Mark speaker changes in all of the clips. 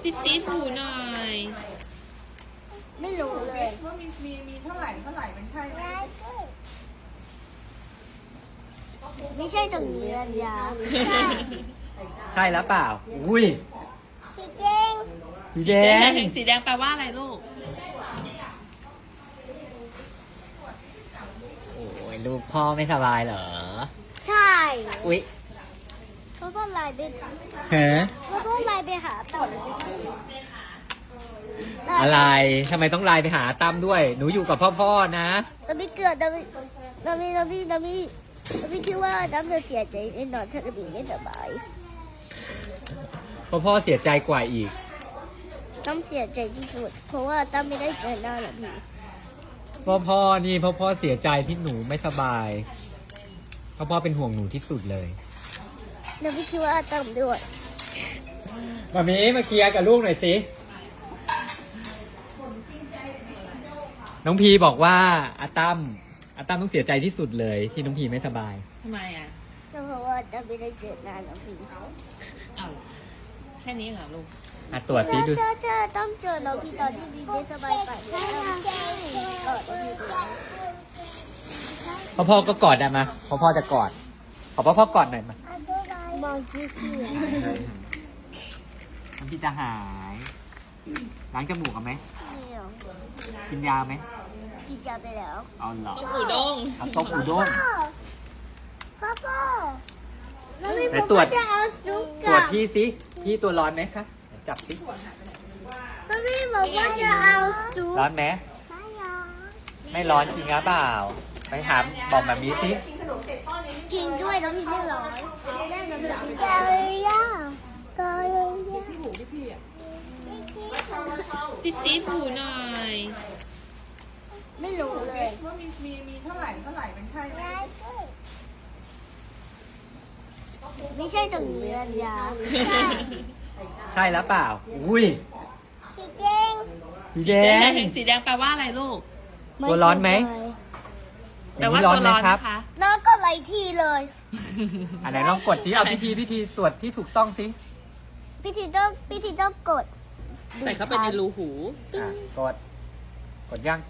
Speaker 1: ติดถูหน่อย
Speaker 2: ไม่รู้เลย
Speaker 3: ว่ามีเท่าไหร่มันใช่ไหม
Speaker 2: ไม่ใช่ตรงนี้อันยา
Speaker 4: ใช่แล้วเปล่า อุ้ย
Speaker 2: สีแดง
Speaker 4: สีแดง
Speaker 1: สีแดงแปลว่าอะไรลูก
Speaker 4: โอ้ยลูกพ่อไม่สบายเหรอ
Speaker 2: ใช่
Speaker 4: อุ้ย
Speaker 2: เขาก็ไล่ไป
Speaker 4: ฮะ
Speaker 2: เขาก็ไล่ไปหาต่อ
Speaker 4: อะไรทำไมต้องไลน์ไปหาตั้มด้วย หนูอยู่กับพ่อนะ
Speaker 2: เราไม่เกิดเราไม่คิดว่าน้ำจะเสียใจแน่นอนถ้าเราไม่สบาย
Speaker 4: พ่อเสียใจกว่าอีก
Speaker 2: น้ำเสียใจที่สุดเพราะว่าตั้มไม่ได้เจอหน้าหรอกพี่
Speaker 4: พ่อนี่พ่อเสียใจที่หนูไม่สบายพ่อเป็นห่วงหนูที่สุดเลย
Speaker 2: เราไม่คิดว่าตั้มด้วย
Speaker 4: มามีมาเคลียร์กับลูกหน่อยสิ น้องพีบอกว่าอาตั้มต้องเสียใจที่สุดเลยที่น้องพีไม่สบาย
Speaker 1: ทำไมอ่ะ
Speaker 2: ก็เพราะว่าตั้มไม่ได้เจอหน้าหรอกพี่
Speaker 1: เอาแค่นี้เหรอลูก
Speaker 4: ตรวจสิดู
Speaker 2: ถ้าต้องเจอน้องพี่ตอนที่พี่ไม่สบายไปก็
Speaker 4: พ่อก็กอดได้มาพ่อจะกอดขอพ่อกอดหน่อยมาม
Speaker 2: องที่เสีย
Speaker 4: น้องพีจะหายล้างจมูกกันไหม
Speaker 2: ไม่เอา
Speaker 4: กินยาไหม
Speaker 2: กินยาไปแล้ว
Speaker 4: เอาเหรอ
Speaker 1: ต้องอูด้ง
Speaker 4: เอาต้มอูด้ง
Speaker 2: พ่อแล้ว
Speaker 4: ไหน
Speaker 2: พี่
Speaker 4: ตรวจ
Speaker 2: จะเอาซุป
Speaker 4: ตรว
Speaker 2: กั
Speaker 4: จ
Speaker 2: บ
Speaker 4: พี่ตัวร้อนไหมคะจับสิ
Speaker 2: แล้วพี่บอกว่าจะเอาซุป
Speaker 4: ร้อนไหม
Speaker 2: ไม่เอา
Speaker 4: ไม่ร้อนจริงหรือเปล่าไปถามบอกแบบนี้สิ
Speaker 2: จริงด้วยน้องพี่ไม่ร้อนกาเลยย่ากาเลยย่า
Speaker 3: ที่หูพี่อ่ะ
Speaker 1: ติดถูหน่อย
Speaker 2: ไม่รู้เลย
Speaker 3: ว่ามีเท่าไหร่มันใช่ไหม
Speaker 2: ไม่ใช่ตรงนี้อันยา
Speaker 4: ใช่แล้วเปล่า อุ้ย
Speaker 2: สีแดง
Speaker 4: สีแดง
Speaker 1: สีแดงแปลว่าอะไรลูก
Speaker 4: ตัวร้อนไหม
Speaker 1: แปลว่าตัวร้อนนะคะ
Speaker 2: น้องก็ไหลทีเลย
Speaker 4: อันไหนลองกดที่เอาพิธีสวดที่ถูกต้องสิ
Speaker 2: พี่ทีต้องกด
Speaker 1: ใส่เข้าไปในรูหู
Speaker 4: กดยัง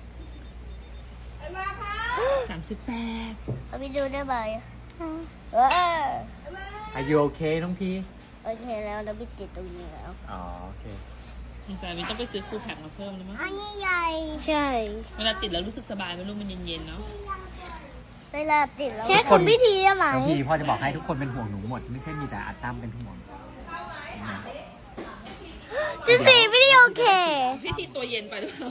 Speaker 1: 38
Speaker 2: เอาไปดูได้ไหมเออ
Speaker 4: Are you okay น้องพี
Speaker 2: โอเคแล้วเราไปติดตรงนี้แล้ว
Speaker 4: อ๋อโอเค
Speaker 1: สงสัยมันต้องไปซื้อคูแพ็กมาเพิ่มแล้วมั้ง
Speaker 2: อันนี้ใหญ่ใช่
Speaker 1: เวลาติดแล้วรู้สึกสบายไหมลูกมันเย็นๆเนาะ
Speaker 2: เวลาติดแล้วเช็คของพิธีได้ไหม
Speaker 4: น้องพีพ่อจะบอกให้ทุกคนเป็นห่วงหนูหมด ไม่ใช่มีแต่อาตั้มเป็นห่วงนะ
Speaker 2: จะสีพิธีโอเค
Speaker 1: พิธีตัวเย็นไปหรือเปล่า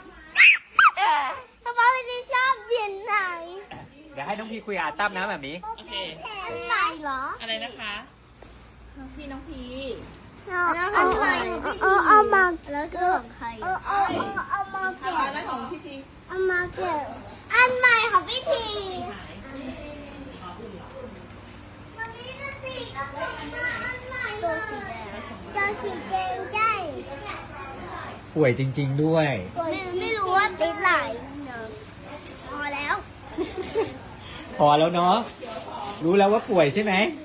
Speaker 2: ทำไมพิธีชอบเย็นไหน
Speaker 4: เดี๋ยวให้น้องพีคุยกับอาตั้มนะแบบนี้
Speaker 1: โอเค
Speaker 2: อันไหนเหรอ
Speaker 1: อะไรนะคะ
Speaker 2: เอาใหม่เอามาแล้วก็ของใครเอามาแกะ
Speaker 3: อะไรของพี่พี
Speaker 2: เอามาแกะอันใหม่ของพิธีมันมีตัวสีกับอันใหม่ตัวสีแดงใช่
Speaker 4: ป่วยจริง ๆด้วย
Speaker 2: ไม่รู้ว่าติดไหลพอแล้ว
Speaker 4: พอแล้วเนาะ รู้แล้วว่าป่วยใช่ไหม
Speaker 2: ใ